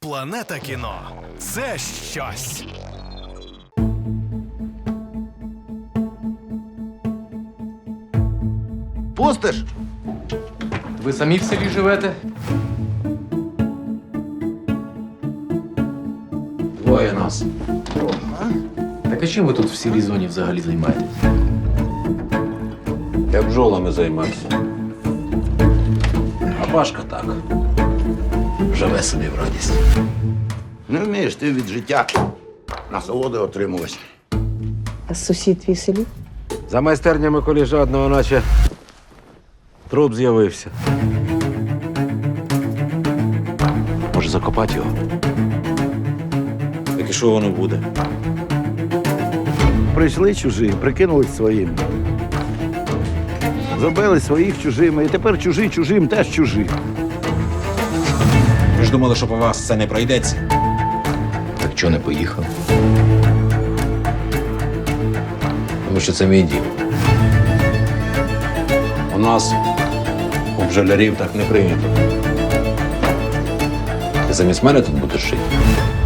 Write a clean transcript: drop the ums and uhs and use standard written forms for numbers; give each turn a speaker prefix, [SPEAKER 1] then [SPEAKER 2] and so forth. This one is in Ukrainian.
[SPEAKER 1] Планета кіно – це щось.
[SPEAKER 2] Пустиш?
[SPEAKER 3] Ви самі в селі живете? Двоє нас. Так а чим ви тут в сірій зоні взагалі займаєтесь?
[SPEAKER 4] Я бджолами займався. А Пашка так. Живе собі в радість.
[SPEAKER 2] Не вмієш ти від життя насолоди отримувати.
[SPEAKER 5] А сусід твій селі?
[SPEAKER 4] За майстернями коліжадного, наче труп з'явився. Може, закопати його? Так і що воно буде?
[SPEAKER 2] Прийшли чужі, прикинулись своїм. Зробили своїх чужими, і тепер чужі чужим теж чужі.
[SPEAKER 6] Ви ж думали, що по вас це не пройдеться?
[SPEAKER 3] Так чого не поїхав? Тому що це мій дім.
[SPEAKER 4] У нас у бджолярів так не прийнято. Ти замість мене тут будеш жити?